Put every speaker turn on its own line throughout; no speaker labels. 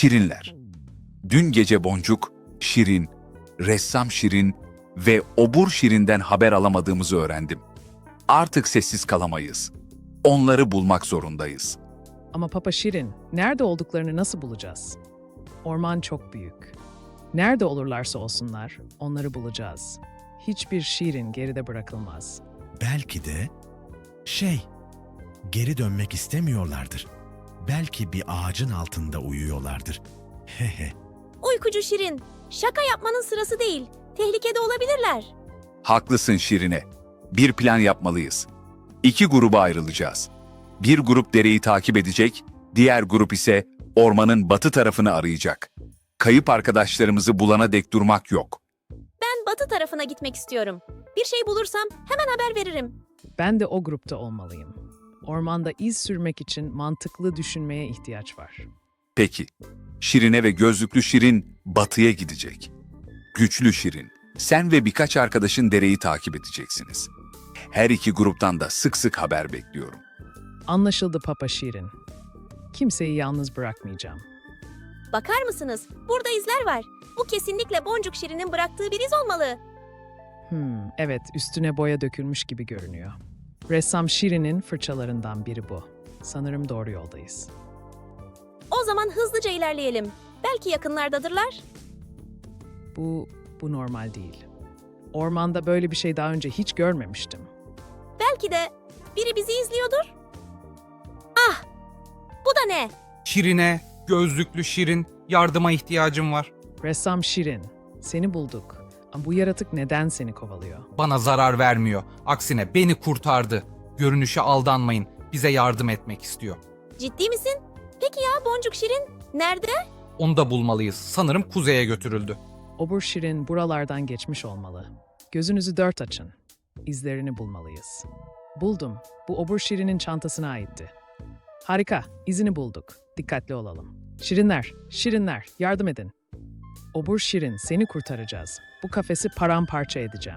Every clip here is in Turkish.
Şirinler. Dün gece Boncuk, Şirin, ressam Şirin ve obur Şirin'den haber alamadığımızı öğrendim. Artık sessiz kalamayız. Onları bulmak zorundayız.
Ama Papa Şirin, nerede olduklarını nasıl bulacağız? Orman çok büyük. Nerede olurlarsa olsunlar, onları bulacağız. Hiçbir Şirin geride bırakılmaz.
Belki de geri dönmek istemiyorlardır. Belki bir ağacın altında uyuyorlardır. Hehe.
Uykucu Şirin, şaka yapmanın sırası değil. Tehlikede olabilirler.
Haklısın Şirine. Bir plan yapmalıyız. 2 gruba ayrılacağız. Bir grup dereyi takip edecek, diğer grup ise ormanın batı tarafını arayacak. Kayıp arkadaşlarımızı bulana dek durmak yok.
Ben batı tarafına gitmek istiyorum. Bir şey bulursam hemen haber veririm.
Ben de o grupta olmalıyım. Ormanda iz sürmek için mantıklı düşünmeye ihtiyaç var.
Peki, Şirine ve gözlüklü Şirin batıya gidecek. Güçlü Şirin, sen ve birkaç arkadaşın dereyi takip edeceksiniz. Her iki gruptan da sık sık haber bekliyorum.
Anlaşıldı Papa Şirin. Kimseyi yalnız bırakmayacağım.
Bakar mısınız? Burada izler var. Bu kesinlikle Boncuk Şirin'in bıraktığı bir iz olmalı.
Evet, üstüne boya dökülmüş gibi görünüyor. Ressam Şirin'in fırçalarından biri bu. Sanırım doğru yoldayız.
O zaman hızlıca ilerleyelim. Belki yakınlardadırlar.
Bu normal değil. Ormanda böyle bir şey daha önce hiç görmemiştim.
Belki de biri bizi izliyordur. Ah! Bu da ne?
Şirine, gözlüklü Şirin, yardıma ihtiyacım var.
Ressam Şirin, seni bulduk. Ama bu yaratık neden seni kovalıyor?
Bana zarar vermiyor. Aksine beni kurtardı. Görünüşe aldanmayın. Bize yardım etmek istiyor.
Ciddi misin? Peki ya Boncuk Şirin nerede?
Onu da bulmalıyız. Sanırım kuzeye götürüldü.
Obur Şirin buralardan geçmiş olmalı. Gözünüzü dört açın. İzlerini bulmalıyız. Buldum. Bu Obur Şirin'in çantasına aitti. Harika, izini bulduk. Dikkatli olalım. Şirinler, yardım edin. Obur Şirin, seni kurtaracağız. Bu kafesi paramparça edeceğim.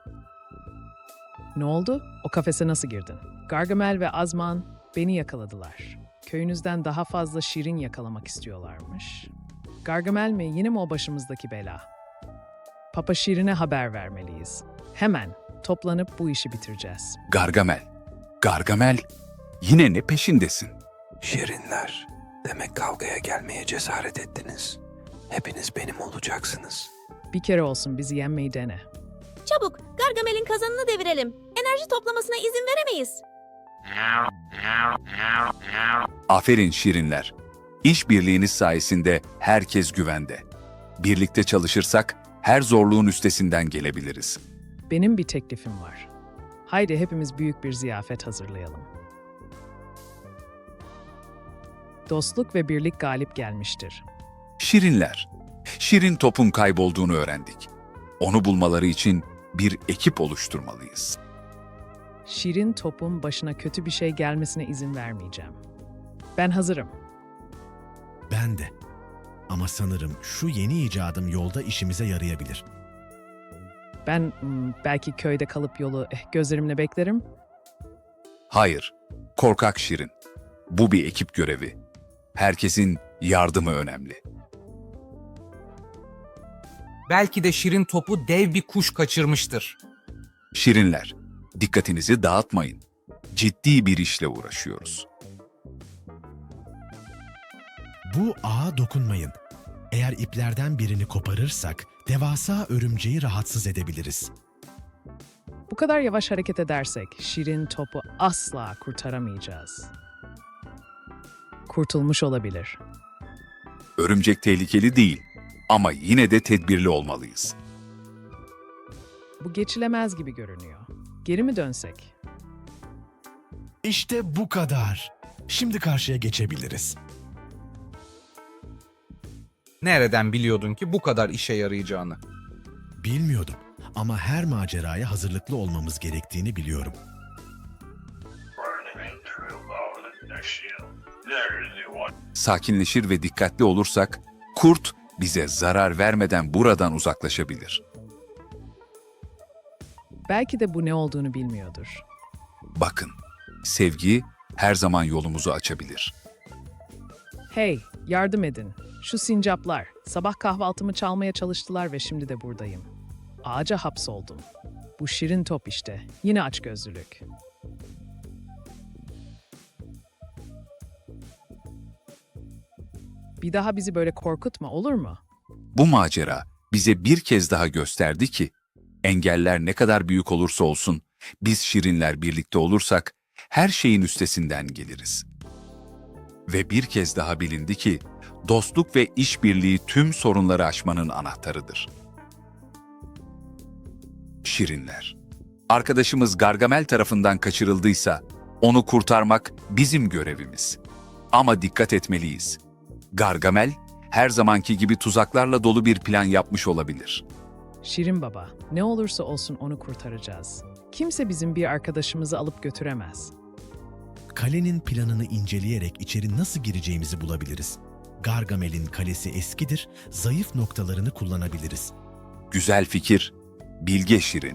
Ne oldu? O kafese nasıl girdin? Gargamel ve Azman beni yakaladılar. Köyünüzden daha fazla Şirin yakalamak istiyorlarmış. Gargamel mi, yine mi o başımızdaki bela? Papa Şirin'e haber vermeliyiz. Hemen toplanıp bu işi bitireceğiz.
Gargamel, yine ne peşindesin?
Şirinler, demek kavgaya gelmeye cesaret ettiniz. Hepiniz benim olacaksınız.
Bir kere olsun bizi yenmeyi dene.
Çabuk Gargamel'in kazanını devirelim. Enerji toplamasına izin veremeyiz.
Aferin Şirinler. İşbirliğiniz sayesinde herkes güvende. Birlikte çalışırsak her zorluğun üstesinden gelebiliriz.
Benim bir teklifim var. Haydi hepimiz büyük bir ziyafet hazırlayalım. Dostluk ve birlik galip gelmiştir.
Şirinler. Şirin topun kaybolduğunu öğrendik. Onu bulmaları için bir ekip oluşturmalıyız.
Şirin topun başına kötü bir şey gelmesine izin vermeyeceğim. Ben hazırım.
Ben de. Ama sanırım şu yeni icadım yolda işimize yarayabilir.
Ben belki köyde kalıp yolu gözlerimle beklerim.
Hayır, korkak Şirin. Bu bir ekip görevi. Herkesin yardımı önemli.
Belki de Şirin topu dev bir kuş kaçırmıştır.
Şirinler, dikkatinizi dağıtmayın. Ciddi bir işle uğraşıyoruz.
Bu ağa dokunmayın. Eğer iplerden birini koparırsak devasa örümceği rahatsız edebiliriz.
Bu kadar yavaş hareket edersek Şirin topu asla kurtaramayacağız. Kurtulmuş olabilir.
Örümcek tehlikeli değil ama yine de tedbirli olmalıyız.
Bu geçilemez gibi görünüyor. Geri mi dönsek?
İşte bu kadar. Şimdi karşıya geçebiliriz.
Nereden biliyordun ki bu kadar işe yarayacağını?
Bilmiyordum ama her maceraya hazırlıklı olmamız gerektiğini biliyorum.
Sakinleşir ve dikkatli olursak kurt bize zarar vermeden buradan uzaklaşabilir.
Belki de bu ne olduğunu bilmiyordur.
Bakın, sevgi her zaman yolumuzu açabilir.
Hey, yardım edin. Şu sincaplar, sabah kahvaltımı çalmaya çalıştılar ve şimdi de buradayım. Ağaca hapsoldum. Bu şirin top işte, yine açgözlülük. Bir daha bizi böyle korkutma, olur mu?
Bu macera bize bir kez daha gösterdi ki, engeller ne kadar büyük olursa olsun, biz şirinler birlikte olursak her şeyin üstesinden geliriz. Ve bir kez daha bilindi ki, dostluk ve işbirliği tüm sorunları aşmanın anahtarıdır. Şirinler. Arkadaşımız Gargamel tarafından kaçırıldıysa, onu kurtarmak bizim görevimiz. Ama dikkat etmeliyiz. Gargamel, her zamanki gibi tuzaklarla dolu bir plan yapmış olabilir.
Şirin Baba, ne olursa olsun onu kurtaracağız. Kimse bizim bir arkadaşımızı alıp götüremez.
Kalenin planını inceleyerek içeri nasıl gireceğimizi bulabiliriz. Gargamel'in kalesi eskidir, zayıf noktalarını kullanabiliriz.
Güzel fikir, bilge Şirin.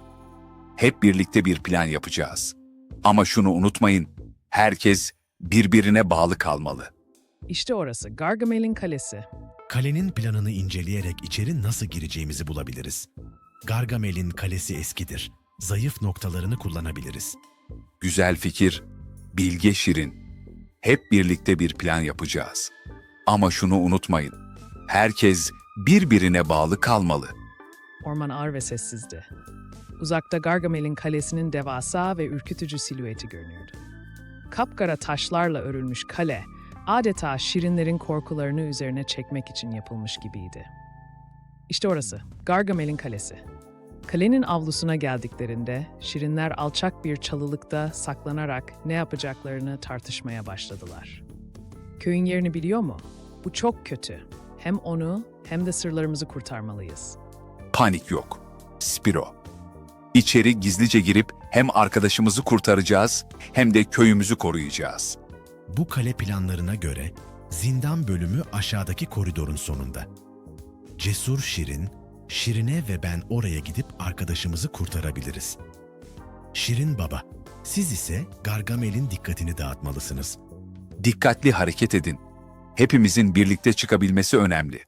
Hep birlikte bir plan yapacağız. Ama şunu unutmayın, herkes birbirine bağlı kalmalı.
İşte orası, Gargamel'in kalesi.
Kalenin planını inceleyerek içeri nasıl gireceğimizi bulabiliriz. Gargamel'in kalesi eskidir, zayıf noktalarını kullanabiliriz.
Güzel fikir, bilge Şirin. Hep birlikte bir plan yapacağız. Ama şunu unutmayın, herkes birbirine bağlı kalmalı.
Orman ağır ve sessizdi. Uzakta Gargamel'in kalesinin devasa ve ürkütücü silüeti görünüyordu. Kapkara taşlarla örülmüş kale, adeta şirinlerin korkularını üzerine çekmek için yapılmış gibiydi. İşte orası, Gargamel'in kalesi. Kalenin avlusuna geldiklerinde, şirinler alçak bir çalılıkta saklanarak ne yapacaklarını tartışmaya başladılar. Köyün yerini biliyor mu? Bu çok kötü. Hem onu hem de sırlarımızı kurtarmalıyız.
Panik yok. Spiro. İçeri gizlice girip hem arkadaşımızı kurtaracağız hem de köyümüzü koruyacağız.
Bu kale planlarına göre zindan bölümü aşağıdaki koridorun sonunda. Cesur Şirin, Şirine ve ben oraya gidip arkadaşımızı kurtarabiliriz. Şirin Baba, siz ise Gargamel'in dikkatini dağıtmalısınız.
Dikkatli hareket edin. Hepimizin birlikte çıkabilmesi önemli.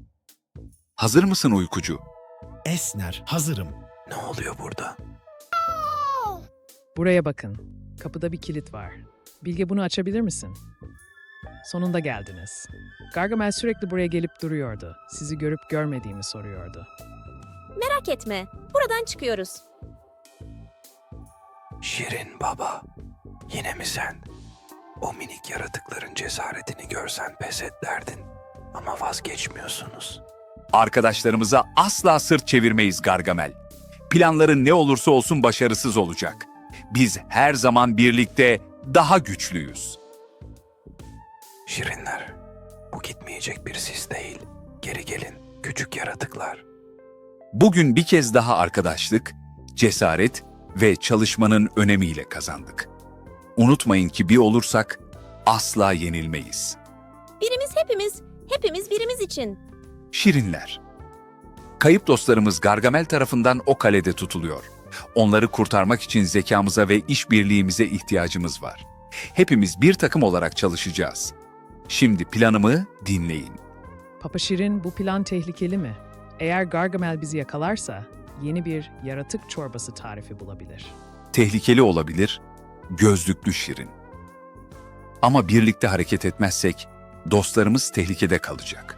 Hazır mısın uykucu?
Esner, hazırım.
Ne oluyor burada?
Buraya bakın. Kapıda bir kilit var. Bilge, bunu açabilir misin? Sonunda geldiniz. Gargamel sürekli buraya gelip duruyordu. Sizi görüp görmediğimi soruyordu.
Merak etme, buradan çıkıyoruz.
Şirin baba, yine mi sen? O minik yaratıkların cesaretini görsen pes et derdin. Ama vazgeçmiyorsunuz.
Arkadaşlarımıza asla sırt çevirmeyiz Gargamel. Planların ne olursa olsun başarısız olacak. Biz her zaman birlikte daha güçlüyüz.
Şirinler, bu gitmeyecek bir sis değil. Geri gelin, küçük yaratıklar.
Bugün bir kez daha arkadaşlık, cesaret ve çalışmanın önemiyle kazandık. Unutmayın ki bir olursak asla yenilmeyiz.
Birimiz hepimiz birimiz için.
Şirinler. Kayıp dostlarımız Gargamel tarafından o kalede tutuluyor. Onları kurtarmak için zekamıza ve işbirliğimize ihtiyacımız var. Hepimiz bir takım olarak çalışacağız. Şimdi planımı dinleyin.
Papa Şirin, bu plan tehlikeli mi? Eğer Gargamel bizi yakalarsa yeni bir yaratık çorbası tarifi bulabilir.
Tehlikeli olabilir, gözlüklü Şirin. Ama birlikte hareket etmezsek dostlarımız tehlikede kalacak.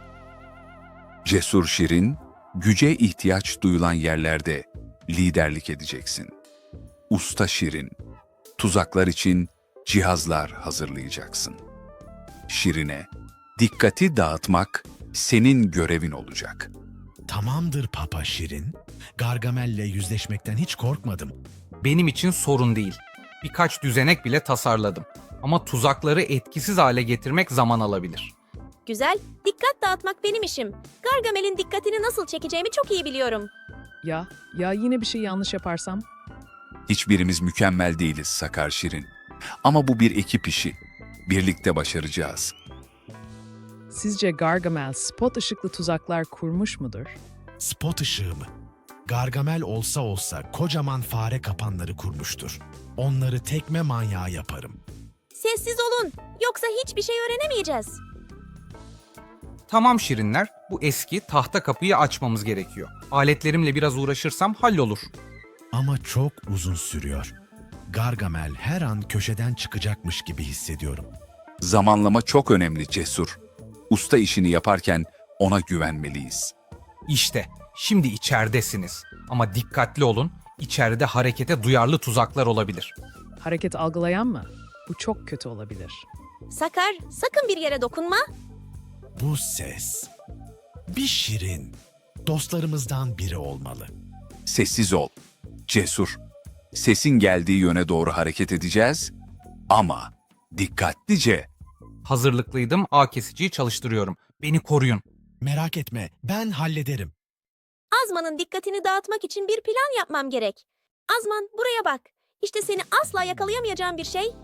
Cesur Şirin, güce ihtiyaç duyulan yerlerde liderlik edeceksin. Usta Şirin, tuzaklar için cihazlar hazırlayacaksın. Şirine, dikkati dağıtmak senin görevin olacak.
Tamamdır Papa Şirin. Gargamel'le yüzleşmekten hiç korkmadım.
Benim için sorun değil. Birkaç düzenek bile tasarladım. Ama tuzakları etkisiz hale getirmek zaman alabilir.
Güzel, dikkat dağıtmak benim işim. Gargamel'in dikkatini nasıl çekeceğimi çok iyi biliyorum.
Ya yine bir şey yanlış yaparsam?
Hiçbirimiz mükemmel değiliz Sakar Şirin. Ama bu bir ekip işi. Birlikte başaracağız.
Sizce Gargamel spot ışıklı tuzaklar kurmuş mudur?
Spot ışığı mı? Gargamel olsa olsa kocaman fare kapanları kurmuştur. Onları tekme manyağı yaparım.
Sessiz olun, yoksa hiçbir şey öğrenemeyeceğiz.
Tamam şirinler, bu eski tahta kapıyı açmamız gerekiyor. Aletlerimle biraz uğraşırsam hallolur.
Ama çok uzun sürüyor. Gargamel her an köşeden çıkacakmış gibi hissediyorum.
Zamanlama çok önemli Cesur. Usta işini yaparken ona güvenmeliyiz.
İşte, şimdi içeridesiniz. Ama dikkatli olun, içeride harekete duyarlı tuzaklar olabilir.
Hareket algılayan mı? Bu çok kötü olabilir.
Sakar, sakın bir yere dokunma.
Bu ses. Bir şirin. Dostlarımızdan biri olmalı.
Sessiz ol. Cesur. Sesin geldiği yöne doğru hareket edeceğiz ama dikkatlice.
Hazırlıklıydım, ağ kesiciyi çalıştırıyorum. Beni koruyun.
Merak etme, ben hallederim.
Azman'ın dikkatini dağıtmak için bir plan yapmam gerek. Azman, buraya bak. İşte seni asla yakalayamayacağım bir şey.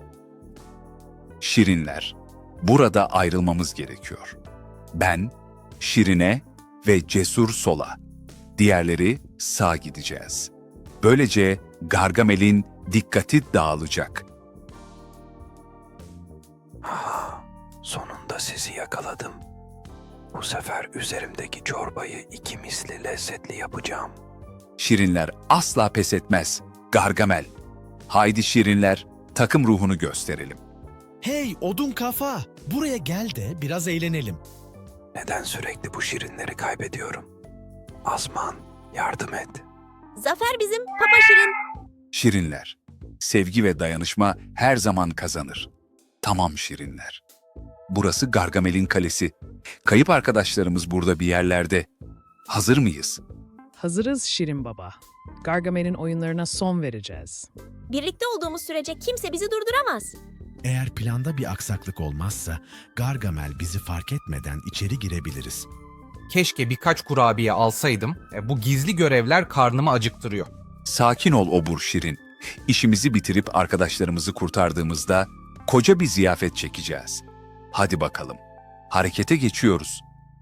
Şirinler. Burada ayrılmamız gerekiyor. Ben, Şirine ve Cesur sola. Diğerleri sağ gideceğiz. Böylece Gargamel'in dikkati dağılacak.
Sonunda sizi yakaladım. Bu sefer üzerimdeki çorbayı 2 misli lezzetli yapacağım.
Şirinler asla pes etmez. Gargamel. Haydi Şirinler, takım ruhunu gösterelim.
Hey odun kafa, buraya gel de biraz eğlenelim.
Neden sürekli bu şirinleri kaybediyorum? Azman, yardım et.
Zafer bizim, Papa Şirin.
Şirinler. Sevgi ve dayanışma her zaman kazanır. Tamam Şirinler. Burası Gargamel'in kalesi. Kayıp arkadaşlarımız burada bir yerlerde. Hazır mıyız?
Hazırız Şirin Baba. Gargamel'in oyunlarına son vereceğiz.
Birlikte olduğumuz sürece kimse bizi durduramaz.
Eğer planda bir aksaklık olmazsa Gargamel bizi fark etmeden içeri girebiliriz.
Keşke birkaç kurabiye alsaydım. Bu gizli görevler karnımı acıktırıyor.
Sakin ol obur Şirin. İşimizi bitirip arkadaşlarımızı kurtardığımızda koca bir ziyafet çekeceğiz. Hadi bakalım. Harekete geçiyoruz.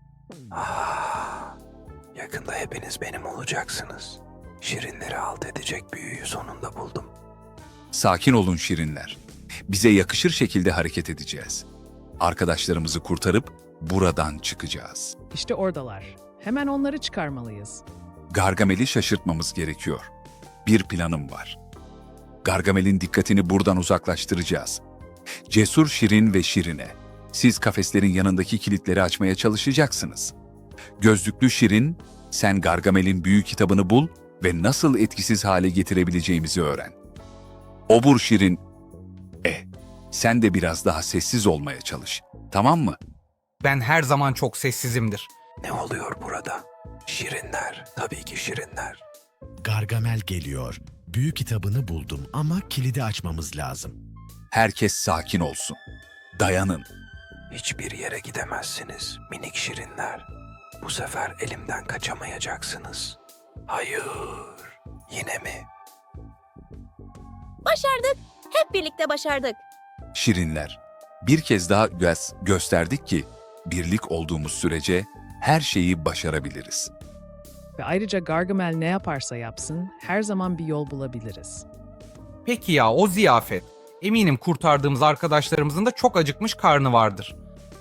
Yakında hepiniz benim olacaksınız. Şirinleri alt edecek büyüyü sonunda buldum.
Sakin olun Şirinler. Bize yakışır şekilde hareket edeceğiz. Arkadaşlarımızı kurtarıp buradan çıkacağız.
İşte oradalar. Hemen onları çıkarmalıyız.
Gargamel'i şaşırtmamız gerekiyor. Bir planım var. Gargamel'in dikkatini buradan uzaklaştıracağız. Cesur Şirin ve Şirine, siz kafeslerin yanındaki kilitleri açmaya çalışacaksınız. Gözlüklü Şirin, sen Gargamel'in büyü kitabını bul ve nasıl etkisiz hale getirebileceğimizi öğren. Obur Şirin, sen de biraz daha sessiz olmaya çalış, tamam mı?
Ben her zaman çok sessizimdir.
Ne oluyor burada? Şirinler, tabii ki şirinler.
Gargamel geliyor. Büyü kitabını buldum ama kilidi açmamız lazım.
Herkes sakin olsun. Dayanın.
Hiçbir yere gidemezsiniz minik şirinler. Bu sefer elimden kaçamayacaksınız. Hayır, yine mi?
Başardık. Hep birlikte başardık.
Şirinler, bir kez daha gösterdik ki birlik olduğumuz sürece her şeyi başarabiliriz.
Ve ayrıca Gargamel ne yaparsa yapsın her zaman bir yol bulabiliriz.
Peki ya o ziyafet? Eminim kurtardığımız arkadaşlarımızın da çok acıkmış karnı vardır.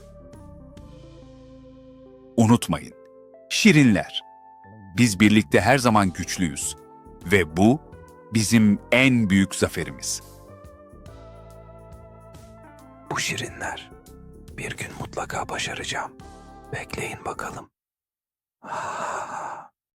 Unutmayın, Şirinler, biz birlikte her zaman güçlüyüz ve bu bizim en büyük zaferimiz.
Bu şirinler. Bir gün mutlaka başaracağım. Bekleyin bakalım.